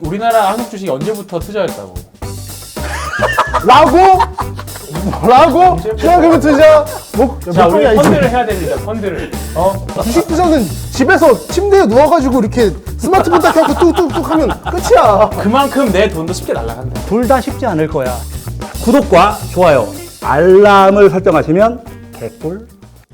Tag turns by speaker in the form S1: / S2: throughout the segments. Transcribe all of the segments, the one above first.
S1: 우리나라 한국 주식이 언제부터 투자였다고?
S2: 라고? 최악의 투자? 뭐,
S1: 자,
S2: 몇
S1: 우리
S2: 번이야,
S1: 펀드를
S2: 이제.
S1: 해야 됩니다. 펀드를.
S2: 주식 투자는 집에서 침대에 누워가지고 이렇게 스마트폰 딱 켜고 뚝뚝뚝 하면 끝이야.
S1: 그만큼 내 돈도 쉽게 날아간다.
S3: 둘 다 쉽지 않을 거야. 구독과 좋아요, 알람을 설정하시면 개꿀.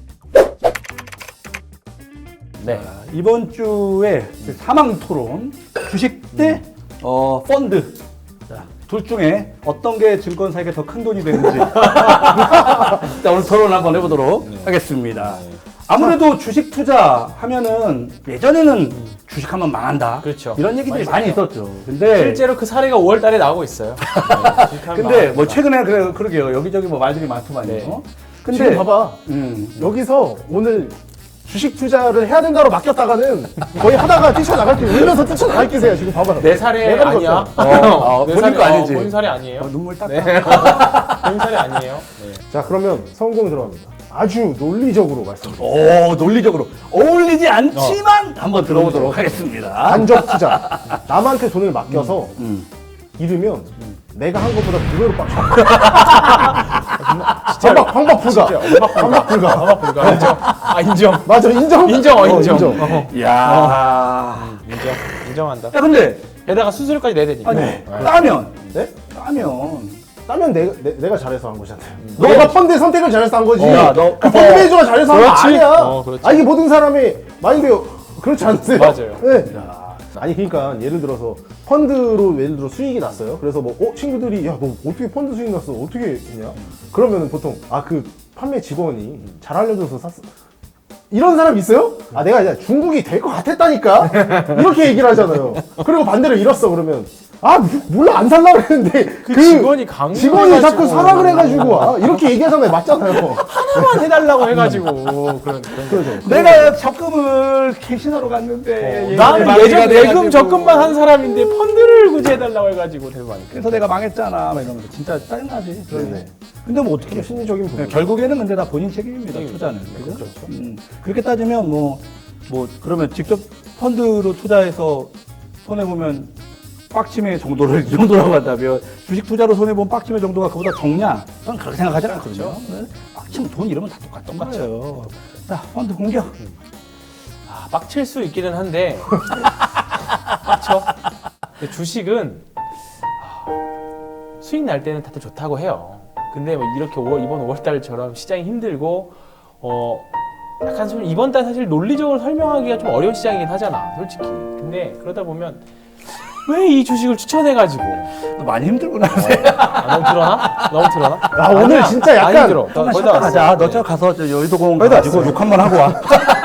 S1: 네.
S3: 이번 주에 사망 토론, 주식 대 펀드. 자, 둘 중에 어떤 게 증권사에게 더 큰 돈이 되는지. 자, 오늘 토론 한번 해보도록 하겠습니다. 아무래도 주식 투자 하면은 예전에는 주식하면 망한다.
S1: 그렇죠.
S3: 이런 얘기들이 많이
S1: 있었죠.
S3: 있었죠. 근데
S1: 실제로 그 사례가 5월 달에 나오고 있어요. 네,
S3: 근데 뭐 최근에 그러게요. 여기저기 뭐 말들이 많더만요.
S1: 네.
S3: 근데
S2: 지금 봐봐.
S3: 여기서
S2: 오늘 주식 투자를 해야 된다로 맡겼다가는 거의 하다가 뛰쳐나갈 게 울면서 뛰쳐나갈 기세야. 지금 봐봐.
S1: 내 사례
S2: 내가
S1: 아니야?
S2: 그랬어.
S1: 내
S3: 본인 거 아니지?
S1: 본인 사례 아니에요?
S3: 눈물 딱.
S1: 네. 본인 사례 아니에요? 네.
S2: 자, 그러면 성공 들어갑니다. 아주 논리적으로 말씀드립니다.
S3: 오, 논리적으로 어울리지 않지만 한번 들어보도록 하겠습니다.
S2: 간접 투자. 남한테 돈을 맡겨서 잃으면 내가 한 것보다 두 배로 빡쳐. 황박 불가. 황박 불가.
S1: 방법 불가. 인정. 아, 인정.
S2: 맞아, 인정?
S1: 인정.
S3: 야.
S1: 인정한다.
S3: 야, 근데
S1: 게다가 수수료까지 내야 되니까.
S3: 아니, 따면
S2: 네? 따면 내가 잘해서 한 거잖아요. 너가 펀드 선택을 잘해서 한 거지.
S3: 야, 너-
S2: 그 펀드 매니저가 잘해서 한 거
S1: 그렇지.
S2: 아니야.
S1: 그렇지.
S2: 아, 이게 모든 사람의 마인드 그렇지 않으세요?
S1: 맞아요.
S2: 네. 아니, 그러니까 예를 들어서 펀드로 예를 들어 수익이 났어요. 그래서 뭐 친구들이 야, 너 어떻게 펀드 수익 났어? 어떻게 했냐? 그러면은 보통 그 판매 직원이 잘 알려줘서 샀어. 이런 사람 있어요? 아, 내가 이제 중국이 될 것 같았다니까? 이렇게 얘기를 하잖아요. 그리고 반대로 잃었어, 그러면. 몰라, 안 살라고 그랬는데.
S1: 그 직원이 강요해가지고.
S2: 직원이 자꾸 사라 그래가지고. 이렇게 얘기하잖아요. 맞잖아요.
S1: 하나만 해달라고 해가지고.
S2: 그러죠.
S3: 내가 적금을 캐시너로 갔는데
S1: 나는
S3: 얘기가
S1: 예전
S3: 돼가지고.
S1: 예금 적금만 한 사람인데 펀드를 굳이 해달라고 해가지고 대박이니까.
S3: 그래서 내가 망했잖아 막 이러면서 진짜 짜증나지.
S2: 네네.
S3: 근데 뭐 어떻게
S2: 그게 심리적인 부분.
S3: 결국에는 근데 다 본인 책임입니다. 투자는. 그죠? 그렇게 따지면 뭐 그러면 직접 펀드로 투자해서 손해 보면 빡침의 정도를 이 정도라고 한다면 주식 투자로 손해 본 빡침의 정도가 그보다 적냐? 저는 그렇게 생각하지 않거든요. 네? 빡치면 돈 잃으면 다 똑같던 거예요. 자, 펀드 공격.
S1: 빡칠 수 있기는 한데 빡쳐. 근데 주식은 수익 날 때는 다들 좋다고 해요. 근데 뭐 이렇게 이번 5월달처럼 시장이 힘들고 약간 좀 이번 달 사실 논리적으로 설명하기가 좀 어려운 시장이긴 하잖아, 솔직히. 근데 그러다 보면 왜 이 주식을 추천해가지고
S3: 많이 힘들구나.
S1: 너무 틀어나? 너무 틀어나?
S2: 오늘
S1: 아니야.
S2: 진짜 약간
S1: 안 힘들어.
S3: 조금만
S1: 거의
S3: 쉬었다
S1: 다
S3: 가자.
S1: 왔어.
S3: 너 저 가서 저 여의도공원
S2: 거의 다
S3: 가지고
S2: 왔어요.
S3: 욕 한 번 하고 와.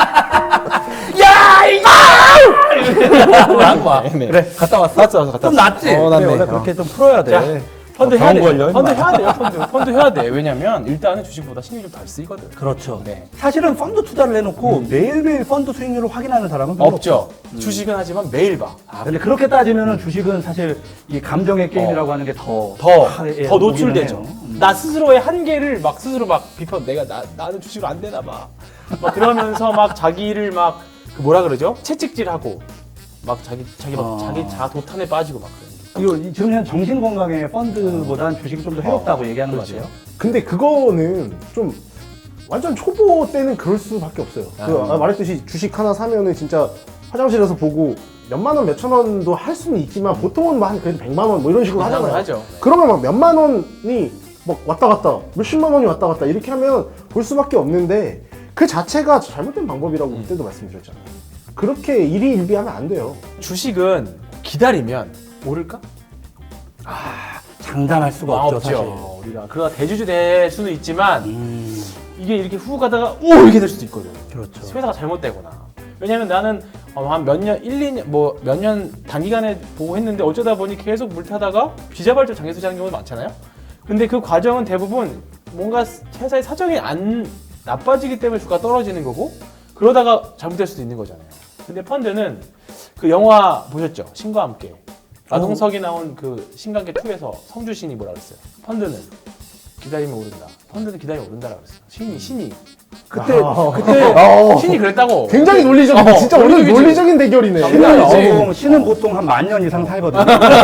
S1: 네.
S3: 그래, 갔다 왔어.
S1: 갔다
S3: 좀
S1: 왔어.
S3: 낫지?
S1: 낫네.
S3: 원래 그렇게 좀 풀어야 돼.
S1: 자, 펀드 해야
S3: 병
S1: 돼.
S3: 걸려,
S1: 펀드
S3: 임마.
S1: 해야 돼요. 펀드 해야 돼. 왜냐면 일단은 주식보다 신경이 좀 덜 쓰이거든.
S3: 그렇죠.
S1: 네.
S3: 사실은 펀드 투자를 해놓고 매일매일 펀드 수익률을 확인하는 사람은 별로
S1: 없죠. 주식은 하지만 매일 봐.
S3: 근데 그렇게 따지면은 주식은 사실 이 감정의 게임이라고 하는 게 더
S1: 더 노출되죠. 나 스스로의 한계를 막 스스로 막 비판. 나는 주식을 안 되나 봐. 막 그러면서 막 자기를 막 그 뭐라 그러죠? 채찍질하고 막 자기 자아 도탄에 빠지고 막 그런.
S3: 이거 지금 현 정신 건강에 펀드보다는 주식이 좀 더 해롭다고 얘기하는 거
S1: 그렇죠.
S3: 같아요.
S2: 근데 그거는 좀 완전 초보 때는 그럴 수밖에 없어요. 말했듯이 주식 하나 사면은 진짜 화장실에서 보고 몇만 원, 몇천 원도 할 수는 있지만 보통은 뭐 한 그래도 100만 원 뭐 이런 식으로 하잖아요.
S1: 하죠.
S2: 그러면 막 몇만 원이 막 왔다 갔다, 몇십만 원이 왔다 갔다 이렇게 하면 볼 수밖에 없는데 그 자체가 잘못된 방법이라고 그때도 말씀드렸잖아요. 그렇게 일희일비하면 안 돼요.
S1: 주식은 기다리면 오를까?
S3: 장담할 수가 없죠, 사실.
S1: 우리가 그러다 대주주 될 수는 있지만 이게 이렇게 후 가다가 이렇게 될 수도 있거든.
S3: 그렇죠.
S1: 회사가 잘못되거나. 왜냐면 나는 한 몇 년, 1, 2년, 뭐 몇 년 단기간에 보고 했는데 어쩌다 보니 계속 물 타다가 비자발적 장애 투자하는 경우도 많잖아요. 근데 그 과정은 대부분 뭔가 회사의 사정이 안 나빠지기 때문에 주가가 떨어지는 거고 그러다가 잘못될 수도 있는 거잖아요. 근데 펀드는 그 영화 보셨죠? 신과 함께. 마동석이 나온 그 신관계 2에서 성주신이 뭐라 그랬어요? 펀드는 기다리면 오른다. 펀드는 기다리면 오른다라고 그랬어. 신이.
S3: 그때
S1: 신이 그랬다고.
S2: 굉장히 논리적인, 진짜 오늘
S1: 논리적이지.
S2: 논리적인 대결이네.
S3: 신은 보통 한 10,000년 이상 살거든요.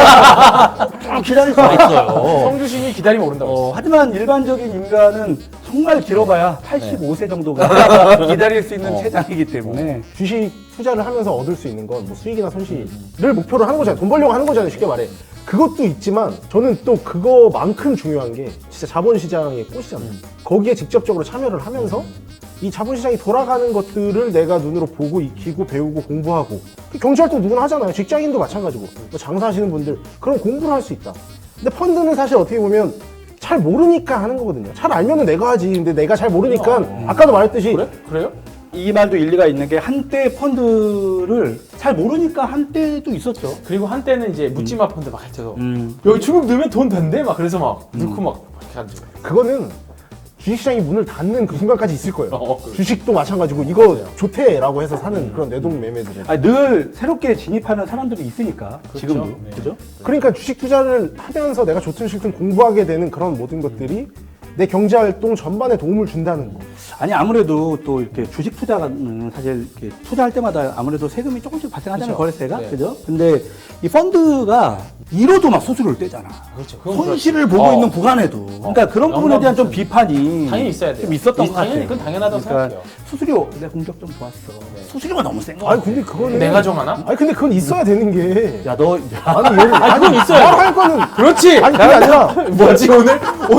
S3: 좀 기다릴 수가 있어요.
S1: 성주신이 기다리면 오른다고 그랬어.
S3: 하지만 일반적인 인간은 정말 길어봐야 85세 정도가 기다릴 수 있는 체장이기 때문에
S2: 주식 투자를 하면서 얻을 수 있는 건 뭐 수익이나 손실을 목표로 하는 거잖아요. 돈 벌려고 하는 거잖아요. 쉽게 말해. 그것도 있지만 저는 또 그거만큼 중요한 게 진짜 자본시장의 꽃이잖아요. 거기에 직접적으로 참여를 하면서 이 자본시장이 돌아가는 것들을 내가 눈으로 보고 익히고 배우고 공부하고 경찰도 누구나 하잖아요. 직장인도 마찬가지고 뭐 장사하시는 분들 그런 공부를 할 수 있다. 근데 펀드는 사실 어떻게 보면 잘 모르니까 하는 거거든요. 잘 알면은 내가 하지. 근데 내가 잘 모르니까 아까도 말했듯이
S1: 그래? 그래요?
S3: 이 말도 일리가 있는 게 한때 펀드를 잘 모르니까 한때도 있었죠.
S1: 그리고 한때는 이제 묻지마 펀드 막 해서 여기 중국 넣으면 돈 된대 막 그래서 막 넣고 막 이렇게 가지고.
S2: 그거는 주식시장이 문을 닫는 그 순간까지 있을 거예요.
S1: 그래.
S2: 주식도 마찬가지고 이거 좋대라고 해서 사는 그런 내동 매매들은.
S3: 아니, 늘 새롭게 진입하는 사람들이 있으니까 지금도
S1: 네.
S3: 그죠?
S2: 그러니까 주식 투자를 하면서 내가 좋든 싫든 공부하게 되는 그런 모든 것들이 내 경제 활동 전반에 도움을 준다는 거.
S3: 아니 아무래도 또 이렇게 주식 투자는 사실 이렇게 투자할 때마다 아무래도 세금이 조금씩 발생하잖아요.
S1: 그렇죠.
S3: 거래세가
S1: 네.
S3: 그죠? 근데 이 펀드가 이로도 막 수수료를 떼잖아.
S1: 그렇죠. 그건
S3: 손실을 보고 있는 구간에도 그러니까 그런 부분에 대한 좀 비판이
S1: 당연히 있어야 돼요.
S3: 좀 있었던 것
S1: 당연히
S3: 같아요.
S1: 그건 당연하다고
S3: 그러니까
S1: 생각해요.
S3: 수수료 내 공격 좀 좋았어. 수수료가 너무 센 거.
S2: 아니 근데 그거는
S1: 내가 정하나?
S2: 아니 근데 그건 있어야 되는 게.
S3: 야너
S2: 아니 얘는
S1: 그건 있어요.
S2: 말할 거는
S1: 그렇지.
S2: 아니 그게 아니라
S1: 뭐지 오늘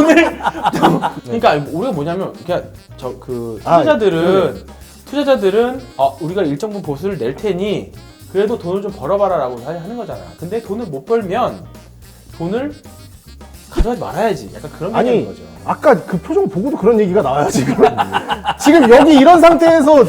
S1: 그러니까 우리가 뭐냐면 그냥 저 그 투자자들은 우리가 일정 부분 보수를 낼 테니 그래도 돈을 좀 벌어봐라라고 하는 거잖아. 근데 돈을 못 벌면 돈을 가져가지 말아야지. 약간 그런
S2: 아니
S1: 얘기인 거죠.
S2: 아까 그 표정 보고도 그런 얘기가 나와요 지금. 지금 여기 이런 상태에서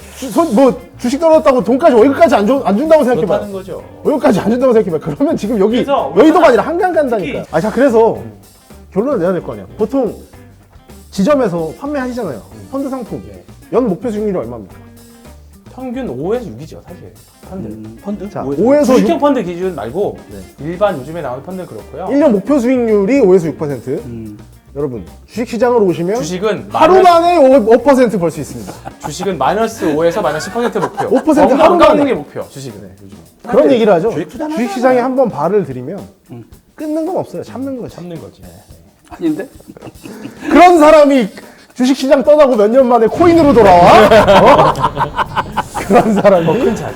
S2: 주식 떨어졌다고 돈까지 월급까지 안 준다고 생각해봐요.
S1: 그렇다는 거죠.
S2: 월급까지 안 준다고 생각해봐요. 그러면 지금 여기
S1: 그래서
S2: 여의도가 아니라 한강 간다니까. 자 그래서 결론을 내야 될 거 아니야. 보통 지점에서 판매하시잖아요. 펀드 상품. 연 목표 수익률이 얼마입니까?
S1: 평균 5에서 6이죠 사실 펀드.
S3: 펀드?
S2: 자,
S3: 뭐-
S2: 5에서 6,
S1: 주식형 펀드 기준 말고 일반 요즘에 나오는 펀드는 그렇고요.
S2: 1년 목표 수익률이 5에서 6%. 여러분 주식시장으로 오시면
S1: 주식은
S2: 하루 만에 5% 벌 수 있습니다.
S1: 주식은 마이너스 5에서 마이너스 10% 목표.
S2: 5%
S1: 안
S2: 하루
S1: 깎는
S2: 만에.
S1: 게 목표. 주식은 요즘
S2: 그런 얘기를 하죠.
S3: 주식 투자는
S2: 주식시장에 한번 발을 들이면 끊는 건 없어요. 참는 거죠.
S1: 참는 거지.
S3: 아닌데?
S2: 그런 사람이 주식시장 떠나고 몇 년 만에 코인으로 돌아와? 어? 그런 사람이
S1: 큰 차지.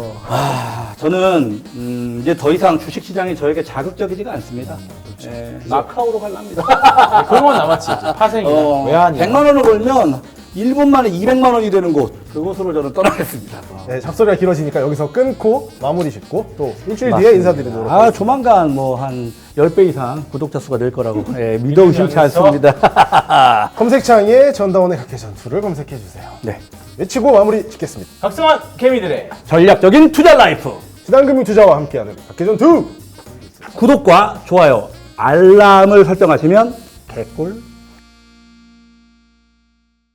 S3: 저는 이제 더 이상 주식 시장이 저에게 자극적이지가 않습니다. 예, 마카오로 갈랍니다.
S1: 그런 건 남았지. 파생이나 외환이나.
S3: 100만 원을 벌면 1분 만에 200만 원이 되는 곳 그곳으로 저는 떠나겠습니다.
S2: 네, 잡소리가 길어지니까 여기서 끊고 마무리 짓고 또 일주일 뒤에 인사드리도록 하겠습니다.
S3: 조만간 뭐 한 10배 이상 구독자 수가 늘 거라고 믿어 의심치 않습니다.
S2: 검색창에 전다원의 각계 전투를 검색해 주세요.
S3: 네.
S2: 외치고 마무리 짓겠습니다.
S1: 각성한 개미들의
S3: 전략적인 투자 라이프.
S2: 신한금융 투자와 함께하는 각계 전투.
S3: 구독과 좋아요, 알람을 설정하시면 개꿀